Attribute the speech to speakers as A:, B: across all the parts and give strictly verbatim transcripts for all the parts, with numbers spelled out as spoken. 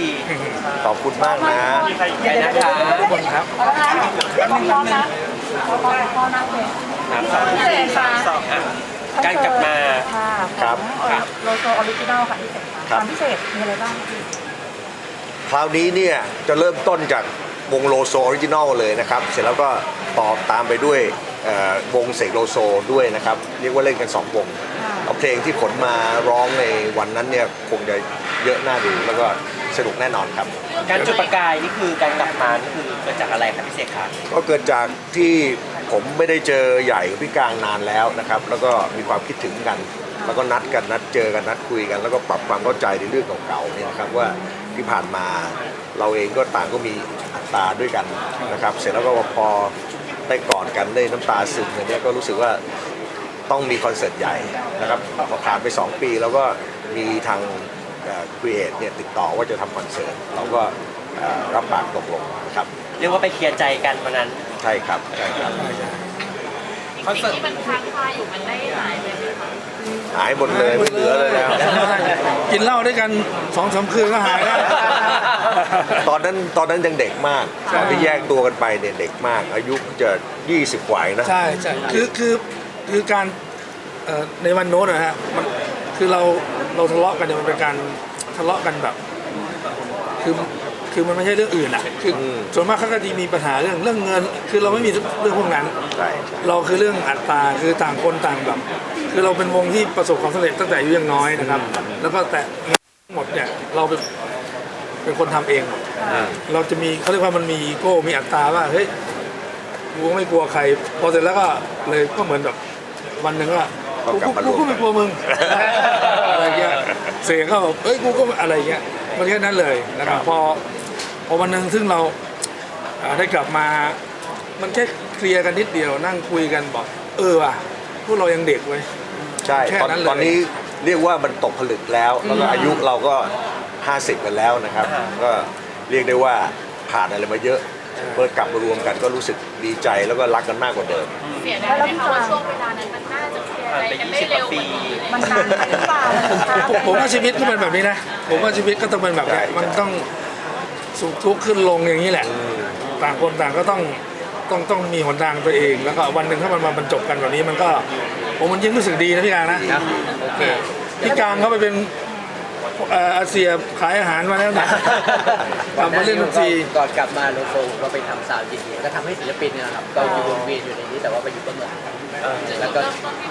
A: ที
B: ขอบคุณมากนะ
A: ใหญ่นะคะ
C: ทุกคนครับ
D: พร้อมนะพร้อมพร้อมนะเลย
A: พิเศษค่ะการกลับมา
D: ค่ะ
B: ครับ
D: โลโซออริจินัลค่ะพิเศษค่ะความพิเศษมีอะไรบ้าง
B: คราวนี้เนี่ยจะเริ่มต้นจากวงโลโซออริจินอลเลยนะครับ เสร็จแล้วก็ต่อตามไปด้วยวงเสกโลโซด้วยนะครับ เรียกว่าเล่นกันสองวงเอาเพลงที่ขนมาร้องในวันนั้นเนี่ยคงจะเยอะน่าดูแล้วก็สนุกแน่นอนครับ
A: การจุดประกายนี่คือการกลับมานี่คือเกิดจากอะไรครับพิเศษครับ
B: ก็เกิดจากที่ผมไม่ได้เจอใหญ่กับพี่กลางนานแล้วนะครับแล้วก็มีความคิดถึงกัน แล้วก็นัดกันนัดเจอกันนัดคุยกัน แล้วก็ปรับความเข้าใจในเรื่องเก่าๆเนี่ยนะครับว่าที่ผ่านมาเราเองก็ต่างก็มีอัตราด้วยกันนะครับเสร็จแล้วก็พอได้กอดกันได้น้ำตาซึมเนี่ยก็รู้สึกว่าต้องมีคอนเสิร์ตใหญ่นะครับพอผ่านไปสองปีแล้วก็มีทางครีเอทเนี่ยติดต่อว่าจะทำคอนเสิร์ตเราก็รับปากตกลงนะครับ
A: เรียกว่าไปเคลียร์ใจกันวันนั้น
B: ใช่ครับใช่ครับ
E: คอนเสิร์ตที่มันค้างคาอยู่มันได้หายไปไหมคะ
B: หายหมดเลยไม่เหลือเลยแล้ว
C: กินเหล้าด้วยกันสองสามคืนก็หายแล้ว
B: ตอนนั้นตอนนั้นยังเด็กมากตอนที่แยกตัวกันไปเนี่ยเด็กมากอายุจะยี่สิบกว่านะ
C: ใช่ใช่คือคือคือการในวันโน้นนะฮะมันคือเราเราทะเลาะกันเนี่ยมันเป็นการทะเลาะกันแบบคือคือมันไม่ใช่เรื่องอื่นอ่ะคือส่วนมากเขาก็จะมีปัญหาเรื่องเรื่องเงินคือเราไม่มีเรื่องพวกนั้นเราคือเรื่องอัตราคือต่างคนต่างแบบคือเราเป็นวงที่ประสบความสำเร็จตั้งแต่อายุยังน้อยนะครับแล้วก็แต่หมดเนี่ยเราเป็นเป็นคนทำเองเราจะมีเขาเรียกว่ามันมีอีโก้มีอัตราว่าเฮ้ยกูไม่กลัวใครพอเสร็จแล้วก็เลยก็เหมือนแบบวันหนึ่งก็กูกูก็ไม่กลัวมึงอะไรเงี้ยเสียงเขาแบบเอ้ยกูก็อะไรเงี้ยมันแค่นั้นเลยนะครับพอพอวันหนึ่งซึ่งเราได้กลับมามันแค่เคลียร์กันนิดเดียวนั่งคุยกันบอกเออว่ะพวกเรายังเด็กเว้ย
B: ใช่ตอนตอนนี้เรียกว่ามันตกผลึกแล้วแล้วก็อายุเราก็ห้าสิบกันแล้วนะครับก็เรียกได้ว่าผ่านอะไรมาเยอะเมื่อกลับมารวมกันก็รู้สึกดีใจแล้วก็รักกันมากกว่าเดิม
E: เสียดายไหมคะว่าช่วงเวลานั้นมันน่าจะเคลียร์อะไรกันได้เร็วกว่านี้
D: มันนานไปหรือเปล่า
C: ผมว่าชีวิตก็เป็นแบบนี้นะผมว่าชีวิตก็ต้องเป็นแบบนี้มันต้องสุขทุกข์ขึ้นลงอย่างนี้แหละต่างคนต่างก็ต้องต้องต้องมีหนทางตัวเองแล้วก็วันหนึ่งถ้ามันมาบรรจบกันแบบนี้มันก็ผมมันยิ่งรู้สึกดีนะพี่กลางนะพี่กลางเขาไปเป็นอาเซียขายอาหารมาแล้วนะ
F: ทำมาเล่นดนตรีก่อนกลับมาโลโซก็ไปทำซาวด์จริงๆก็ทำให้ศิลปินเนี่ยครับก็อยู่วนเวียนอยู่ในนี้แต่ว่าไปอยู่เบื้องหลังแล้วก็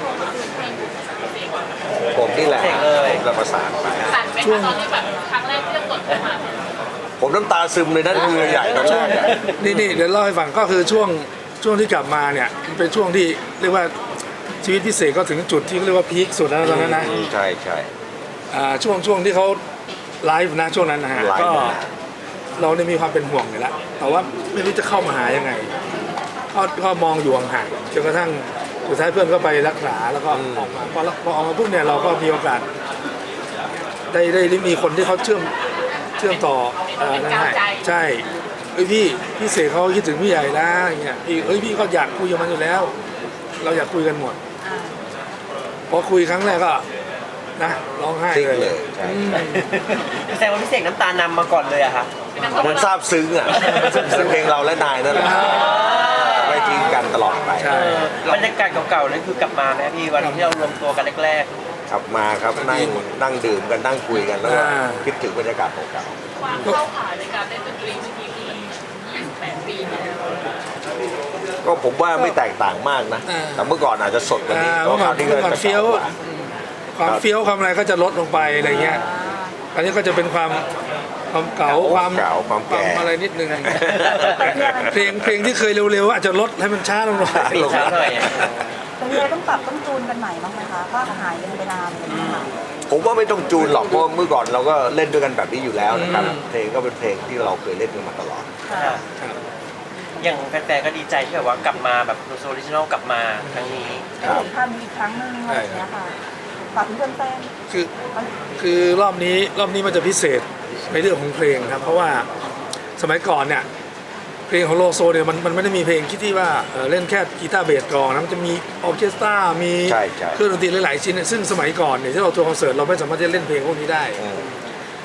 B: ผมนี่แหละเราประสานไป
E: ช่วงตอนที่แบบครั้งแรกที่จะกดเข้ามา
B: ผมน้ำตาซึมเลยนั่นคือใหญ่ตอนแรก
C: นี่นี่เดี๋ยวเล่าให้ฟังก็คือช่วงช่วงที่กลับมาเนี่ยเป็นช่วงที่เรียกว่าชีวิตพิเศษก็ถึงจุดที่เรียกว่าพีคสุดแล้วตอนนั้นนะ
B: ใช่ใช่
C: ช่วงช่วงที่เขาไลฟ์นะช่วงนั้นนะฮะก็เราได้มีความเป็นห่วงอยู่แล้วแต่ว่าไม่รู้จะเข้ามาหายังไงก็ก็มองอยู่ห่างๆจนกระทั่งสุดท้ายเพื่อนก็ไปรักษาแล้วก็ออกมาพอพอออกมาปุ๊บเนี่ยเราก็มีโอกาสได้ได้ได้มีคนที่เขาเชื่อมเชื่อมต่อนั่นแหละใช่เอ้ยพี่พี่เสกเขาคิดถึงพี่ใหญ่นะอย่างเงี้ยพี่เอ้ยพี่ก็อยากคุยกับมันอยู่แล้วเราอยากคุยกันหมดพอคุยครั้งแรกก็นะร้องไห้เลย
A: แสดงว่าพี่เสกน้ำตานำมาก่อนเลยอะค่ะ
B: มันซาบซึ้งอ่ะซึ้งเพลงเราและนายนั่นแหละไม่ทิ้งกันตลอดไป
A: บรรยากาศเก่าๆนั่นคือกลับมาไหมพี่วันที่เรารวมตัวกันแรก
B: ๆกลับมาครับนั่งนั่งดื่มกันนั่งคุยกันแล้วก็คิดถึงบรรยากาศเก่า
E: ๆความเข้าขาในการเล่นดนตรีเมื่อกี้คือมันยี่สิบแปดปีแล้ว
B: ก็ผมว่าไม่แตกต่างมากนะแต่เมื่อก่อนอาจจะสดกว่านี้
C: เมื่อก่อนเมื่อก่อนเฟี้ยวความเฟี้ยวความอะไรก็จะลดลงไปอะไรเงี้ยอันนี้ก็จะเป็นความความเก่าความ
B: เก่าความแก่
C: อะไรนิดนึงเพลงเพลงที่เคยเร็วๆอาจจะลดให้มันช้าลงหน่อย
D: ลงหน่อยแต่เราต้องปรับต้องจูนกันใหม่บ้างไหมคะว่าหายไปนานเลยนะคะ
B: ผมว่าไม่ต้องจูนหรอกเพราะเมื่อก่อนเราก็เล่นด้วยกันแบบนี้อยู่แล้วนะครับเพลงก็เป็นเพลงที่เราเคยเล่นกันมาตลอด
A: อย่างแฟนๆก็ดีใจที่แบบว่ากลับมาแบบโลโซออริจินอลกลับมาครั้งนี้
D: ได้ภาพนี้อีกครั้งนึงอะไรอย่างเงี้ยค่ะฝากเพื่อนแฟน
C: คือคือรอบนี้รอบนี้มันจะพิเศษในเรื่องของเพลงครับเพราะว่าสมัยก่อนเนี่ยเพลงของโลโซเนี่ยมันมันไม่ได้มีเพลงคิดที่ว่าเล่นแค่กีตาร์เบสกลองนะมันจะมีออร์เคสตรามีเครื่องดนตรีหลายๆชิ้นซึ่งสมัยก่อนเนี่ยที่เราทัวร์คอนเสิร์ตเราไม่สามารถจะเล่นเพลงพวกนี้ได้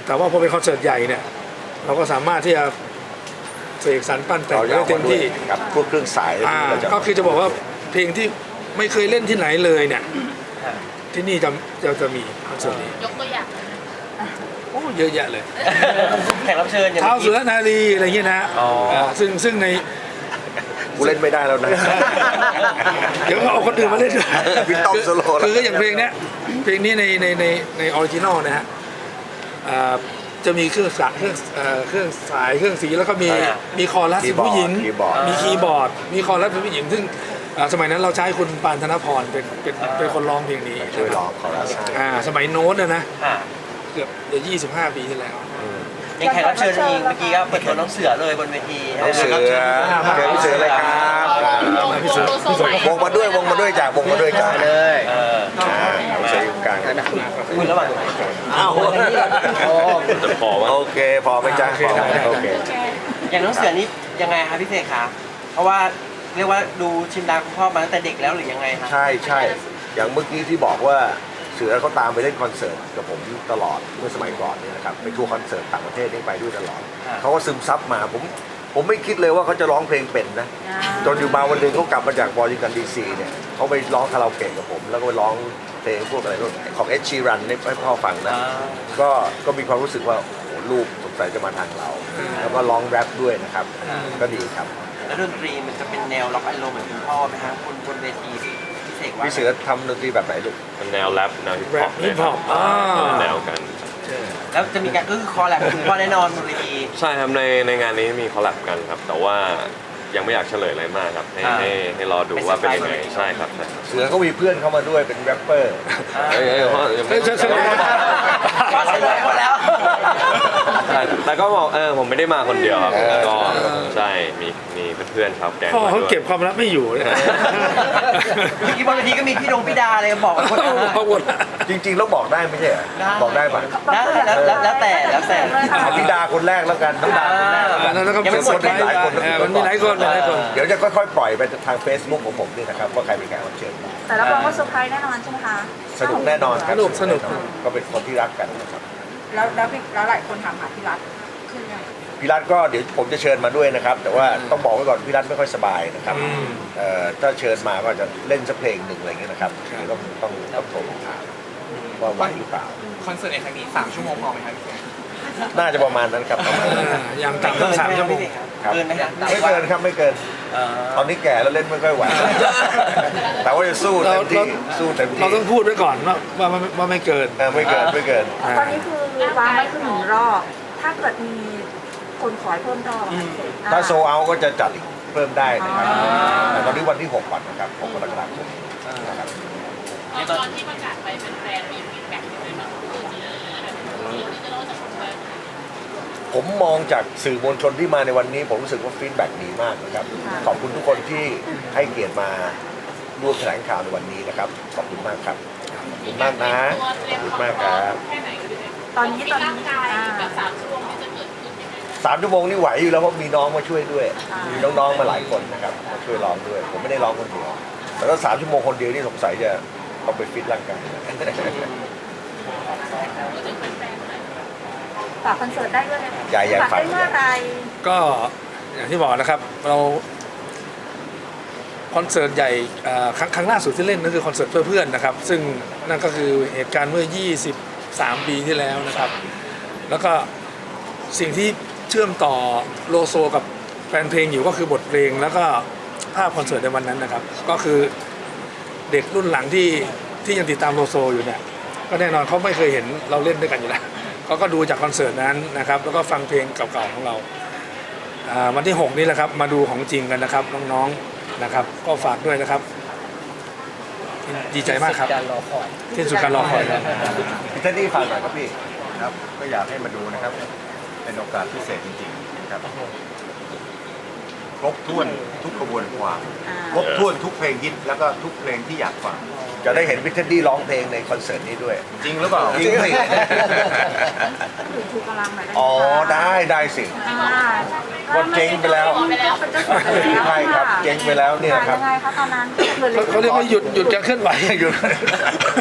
C: แต่ว่าพอเป็นคอนเสิร์ตใหญ่เนี่ยเราก็สามารถที่จะเสกสรรปั้นแต่ง
B: เรา
C: ได้
B: เอา
C: เต็
B: มาม ด้วย
C: ที่
B: ครับพวกเครื่องสาย
C: อ่า
B: เราจะ
C: ก็คือจะบอกว่าเพลงที่ไม่เคยเล่นที่ไหนเลยเนี่ย
A: ค่ะ
C: ที่นี่จะจะจะมีคอนเสิร์ตนี้
E: ยกตัวอย่าง
C: โอ้เยอะแยะเลย
A: แขกรับเชิญอย่าง
C: เท้า
A: เมื่อ
C: เสื
A: กี้
C: อนารีอะไรเงี้ยนะ
A: อ๋ออ่
C: าซึ่งซึ่งใน
B: กูเล่นไม่ได้แล้วนะ
C: เดี๋ยวเอาคนอื่นมาเล่นด้วย
B: พี่ต้อมโซโล่
C: คือคืออย่างเพลงเนี้ยเพลงนี้ในในในในออริจินอลนะฮะอ่าจะมีเครื่องสายเครื่องเอ่อเครื่องสายเครื่องสีแล้วก็มีมีคอรัสเป็นผู้หญิง
B: คีย์บอร์ด
C: มีคีย์บอร์ด มีคอรัสเป็นผู้หญิง ซึ่งอ่าสมัยนั้นเราใช้คุณปานธนพรเป็นเป็นเป็นคนร้องเพลงนี้
B: ช่วยร้องคอรัสให้
C: อ่าสมัยโน้ตนะนะ
A: ค่ะ
C: เกือบจะยี่สิบห้าปีที่แล้ว
A: อย่างแขกรับเชิญเองเมื่อกี้ก็เปิดตัวน้องเสือเลยบนเวที
B: น้องเสือ
A: แขกรับชิญ
B: เชิญพี่เสือเลยครับครับ
C: พี่เสือพี่เสือ
B: วงมาด้วยวงมาด้วยจากวงมาด้วยจาก
F: เลย
A: เออ
B: อ่าน้องเสืออยู่กลาง
A: คุยระหว่าง
B: อ้าว
F: โอ้
B: จะพอวะโอเคพอไหมจ๊ะพอไหมโอเค
A: อย่างน้องเสือนี่ยังไงคะพี่เสกคะเพราะว่าเรียกว่าดูชิมดาคุณพ่อมาตั้งแต่เด็กแล้วหรือยังไงคะ
B: ใช่ใช่อย่างเมื่อกี้ที่บอกว่าเสือเขาตามไปเล่นคอนเสิร์ตกับผมตลอดเมื่อสมัยก่อนเนี่ยนะครับไปทัวร์คอนเสิร์ตต่างประเทศนี่ไปด้วยตลอดเขาก็ซึมซับมาผมผมไม่คิดเลยว่าเขาจะร้องเพลงเป็นนะจนอยู่มาวันหนึ่งเขากลับมาจากวอชิงตันดีซีเนี่ยเขาไปร้องคาราโอเกะกับผม แล้วก็ไปร้องเพลงพวกอะไรของเอชชีรันให้พ่อฟังนะ
A: อ่า
B: ก็ก็มีความรู้สึกว่าโอ้โหลูกสงสัยจะมาทางเรา แล้วก็ร้องแรปด้วยนะครับ ก็ดีครับ
A: แล้วดนตรีมันจะเป็นแนวล็อกไอโรเหมือนคุณพ่อไหมคะคุณบนเวทีพี่เสกว่า
B: พี่เสือทำดนตรีแบบไหนลูก
G: เป็นแนวแรปแนวฮิป
C: แร
G: ฮอ
C: ป
G: ปเล
C: ฮิ
G: ย
C: ป
G: ค
C: ฮ
G: รั
C: อบ ปอ่า
G: แนวกัน
A: แล้วจะมีการอื้อคอแลบคุณพ่อแน่นอนบนเวที
G: ใช่ครับในในงานนี้มีคอลแลบกันครับ แต่ว่ายังไม่อยากเฉลยอะไรมากครับ ให้
A: อ่า
G: ให้ให้รอดูว่าเป็นยังไง
A: เป็นเซอร์ไพรส์
G: ใช่ครับใช่ครับ
B: เสือเขามีเพื่อนเข้ามาด้วยเป็นแรปเปอร์
G: เอ้ยเอ้ยพ่อยัง
C: เฮ้
G: ไม่
C: ยเฉลย
A: ก็เฉลยหมดแล้ว
G: ใช่แต่ก็บอกเออผมไม่ได้มาคนเดียวครับ
B: เออ
G: ก็ใช่มีมีเพื่อนๆครับแก๊ง
C: พ่อ
G: มา
C: เขา
G: ด้วย
C: เก็บความลับไม่อยู่เนี่ย
A: เมื่อกี้บนเวทีก็มีพี่ดงพี่ดาเลยบอกคนอื่น
C: เขาหมด
B: จริงๆแล้วบอกได้ไม่ใช่เหรอ
A: ได้
B: บอกได้ปะ
A: ได้แล้วแล้วแล้วแต่แล้วแต่
B: เอาพี่ดาคนแรกแล้วกันน้องดาคนแรกแล้วกัน
C: แล้วก็
A: ยังไม่หมด
C: เซอร์ไพรส์
B: หลายคน
C: เออมันมีหลายคนมีหลายคน
B: เดี๋ยวจะค่อยๆปล่อยไปทาง Facebook ของผมนี่นะครับว่าใครเป็นแขกรับเชิญ
D: แต่รับรองว่าเซอร์ไพรส์แน่นอนใช่ไหมคะ
B: สนุกแน่นอนครับ
C: สนุกสนุก
B: แอก็เป็นคนที่รักกันนะครับ
D: แล้วแล้วพี่แล้วหลายคนถามหาพี่รัฐคือยัง
B: พี่รัฐก็เดี๋ยวผมจะเชิญมาด้วยนะครับ แต่ว่าต้องบอกไว้ก่อนพี่รัฐไม่ค่อยสบายนะครับ
C: อืม
B: เอ่อถ้าเชิญมาก็จะเล่นสักเพลงหนึ่งอะไรเงี้ยนะครับเดี๋ยวต้องต้องต้องโทรถามว่าไหวหรือเปล่า
H: คอนเสิร์ตในครั้งนี้สามชั่วโมงพอไหมครับพี่เสก
B: น่าจะประมาณนั้นครับประมาณนั้น
C: อ่าอย่างต่ำต้องสามชั่วโมง
B: ครับ
A: เกินไหมครับ
B: ไม่เกินครับไม่เกิน
A: เอ่อ
B: ตอนนี้แก่แล้วเล่นไม่ค่อยไหว แต่ว่าจะสู้เต็มที่สู้เต็มที่
C: เราต้องพูดไว้ก่อนว่าว่าว่าว่าไม่เกิน
B: เออไม่เกินไม่เกิน
C: อ่า
D: ตอนนี้คือวางไว้คือหนึ่งรอบ ถ้าเกิดมีคนขอให้เพิ่มรอบอะค่ะ
B: ถ้าโซเอาก็จะจัดอีกเพิ่มได้นะครับ
D: อ๋อ
B: แต่ตอนนี้วันที่หกก่อนนะครับหกกรกฎาคมนะครับ
E: ตอนที่ประกาศไปเป็นแฟนมีฟีดแบ็กยังไงบ้างคือที่ที่จะเล่าจากคนแฟน
B: ผมมองจากสื่อมวลชนที่มาในวันนี้ ผมรู้สึกว่าฟีดแบ็กดีมากนะครับ ขอบคุณทุกคนที่ให้เกียรติมาร่วมแถลงข่าวในวันนี้นะครับ ขอบคุณมากครับ ขอบคุณมากนะ ขอบคุณมากครับ
E: แค่ไหนก็ได้
D: ตอนนี้ตอน
E: ร่าง
D: นี้
E: กาย
D: อ่า
E: แบบสามชั่วโมงที่จะเกิดขึ้นยังไง
B: สามชั่วโมงนี่ไหวอยู่แล้วเพราะมีน้องมาช่วยด้วย
D: อ่ามี
B: มีน้องๆมาหลายคนนะครับมาช่วยร้องด้วย ผมไม่ได้ร้องคนเดียวแต่ถ้าสามชั่วโมงคนเดียวนี่สงสัยจะต้องไปฟิตร่างกาย
E: พูดถึงแฟนๆหน่อย
D: ฝากคอนเสิร์ตได้ด้วยนะ
B: ใหญ่ใหญ่
D: ฝาก
B: ฝาก
D: ได้เมื่อไหร
C: ก็อย่างที่บอกนะครับเราคอนเสิร์ตใหญ่อ่าครั้งครั้งล่าสุดที่เล่นนั่นคือคอนเสิร์ตเพื่อเพื่อนนะครับ ซึ่งนั่นก็คือเหตุการณ์เมื่อ ยี่สิบสาม ปีที่แล้วนะครับ แล้วก็สิ่งที่เชื่อมต่อโลโซกับแฟนเพลงอยู่ก็คือบทเพลงแล้วก็ภาพคอนเสิร์ตในวันนั้นนะครับ ก็คือเด็กรุ่นหลังที่ที่ยังติดตามโลโซอยู่เนี่ยก็แน่นอนเขาไม่เคยเห็นเราเล่นด้วยกันอยู่แล้วเขาก็ดูจากคอนเสิร์ตนั้นนะครับแล้วก็ฟังเพลงเก่าๆของเราอ่าวันที่หกนี้แหละครับมาดูของจริงกันนะครับน้องๆนะครับ ก็ฝากด้วยนะครับ ดีใจมากครับ
F: การรอคอย
C: ที่สุดการรอคอยครับ
B: พี่เท็ดดี้ฝากหน่อยครับพี่ครับก็อยากให้มาดูนะครับ เป็นโอกาสพิเศษจริงๆนะครับครบถ้วนทุกกระบวนความ
D: อ่า
B: ครบถ้วนทุกเพลงฮิตแล้วก็ทุกเพลงที่อยากฟังจะได้เห็นพี่เท็ดดี้ร้องเพลงในคอนเสิร์ตนี้ด้วย จริงหรือเปล่าจริงสิ
D: ถือชูกำลังหน่อยได้ไหมคะ
B: อ๋อได้ได้สิ
D: อ่า
B: ก็เจ๊งไปแล้ว
D: เป็นเจ้าของแล้ว
B: ใช่ครับเจ๊งไปแล้วเนี่ยครับ
D: ยังไงคะตอนนั้น
C: เขาเขาเรียกว่าหยุดหยุดการเคลื่อนไหว
B: หยุด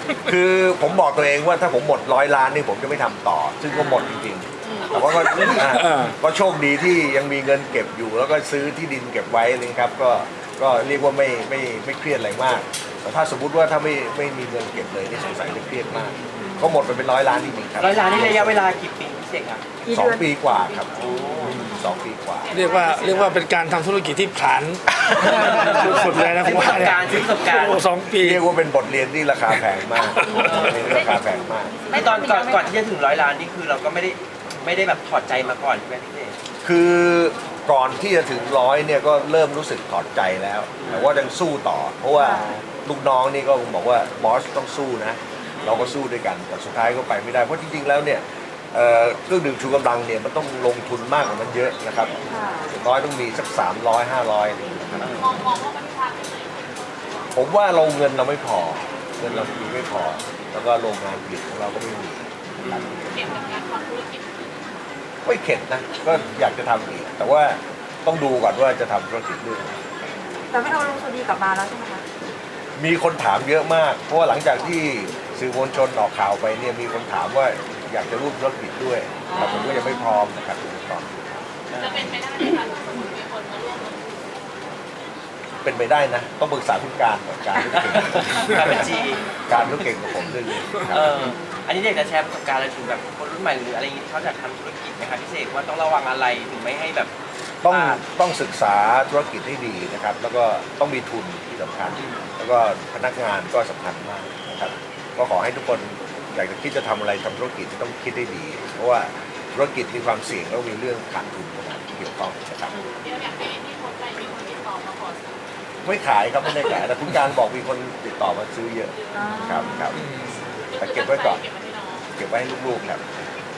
B: คือผมบอกตัวเองว่าถ้าผมหมดร้อยล้านนี่ผมจะไม่ทำต่อ ซึ่งก็หมดจริงๆแต่ว่าก็อ่า
C: เออ
B: ก็โชคดีที่ยังมีเงินเก็บอยู่ แล้วก็ซื้อที่ดินเก็บไว้เลยครับก็ก็เรียกว่าไม่ไม่ไม่เครียดอะไรมาก แต่ถ้าสมมุติว่าถ้าไม่ไม่มีเงินเก็บเลยนี่สงสัยจะเครียดมาก ก็หมดไปเป็นร้อยล้านจริงๆครับ
A: ร้อยล้านนี่ระยะเวลากี่ปีพี่เสกอ่ะ
B: สองปีกว่าครับสองปีกว่า
C: เรียกว่าเรียกว่าเป็นการทำธุรกิจที่ผลานสุดๆเลยนะผมว่าเนี่ย
A: การซื้อประสบการณ์
C: โอ้สองปี
B: เรียกว่าเป็นบทเรียนที่ราคาแพงมากราคาแพงมาก
A: ไม่ตอนก่อนก่อนที่จะถึงร้อยล้านนี่คือเราก็ไม่ได้ไม่ได้แบบถอดใจมาก่อนใช่ไหมพี่เสก
B: คือก่อนที่จะถึงร้อยเนี่ยก็เริ่มรู้สึกถอดใจแล้ว แต่ว่ายังสู้ต่อ เพราะว่าลูกน้องนี่ก็บอกว่าบอสต้องสู้นะ เราก็สู้ด้วยกัน แต่สุดท้ายก็ไปไม่ได้ เพราะจริงๆแล้วเนี่ยเอ่อเครื่องดื่มชูกำลังเนี่ยมันต้องลงทุนมากกว่านั้นเยอะนะครับอย่างน้อยต้องมีสักสามร้อยห้าร้อยนะครับ
E: มองมองว่ามันพลาดไปไหน
B: ผมว่าเราเงินเราไม่พอ เงินเรามีไม่พอ แล้วก็โรงงานผลิตของเราก็ไม่มีนะครับ
E: เห็นกับการทำธุรกิจ
B: ไม่เข็ดนะ ก็อยากจะทำอีก แต่ว่าต้องดูก่อนว่าจะทำธุรกิจเรื่องอะไร
D: แต่ไม่เอาลุงสุดีกลับมาแล้วใช่ไหมคะ
B: มีคนถามเยอะมาก เพราะว่าหลังจากที่สื่อมวลชนออกข่าวไปเนี่ยมีคนถามว่าอยากจะร่วมธุรกิจด้วย แต่ผมก็ยังไม่พร้อมนะครับยังไม่พร้อม
E: จะเป็นไปได้ไหมคะถ้าสมมติมีคนมาร่วมลงทุน
B: เป็นไปได้นะ ต้องปรึกษาคุณการก่อนการธุรกิจ
A: การบัญชี
B: การธุรกิจของผมเรื่องนี้ครั
A: เอบ ออันนี้อยากจะแชร์ประสบการณ์อะไรถึงแบบคนรุ่นใหม่หรืออะไรอย่างนี้ที่เขาจะทำธุรกิจไหมคะพี่เสกว่าต้องระวังอะไรถึงไม่ให้แบบ
B: ต้อง
A: พลาด
B: ต้องศึกษาธุรกิจให้ดีนะครับ แล้วก็ต้องมีทุนที่สำคัญ แล้วก็พนักงานก็สำคัญมากนะครับ ก็ขอให้ทุกคนอยากจะคิดจะทำอะไรทำธุรกิจต้องคิดให้ดี เพราะว่าธุรกิจมีความเสี่ยงแล้วมีเรื่องขาดทุนเข้ามาเกี่ยวข้องนะครับ
E: เดี๋ยวอยากให้ที่คนไปมีคนติดต่อมาขอซื้อ
B: ไม่ขายครับไม่ได้ขายแต่คุณการบอกมีคนติดต่อมาซื้อเยอะครับครับแต่เก็บไว้ก่อน
E: เก็บไว้ให้น้อง
B: เก็บไว้ให้ลูกๆครับ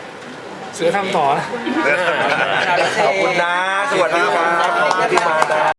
C: เสือทำต่อนะ
B: ขอบคุณนะ สวัสดีครับขอบคุณที่มานะ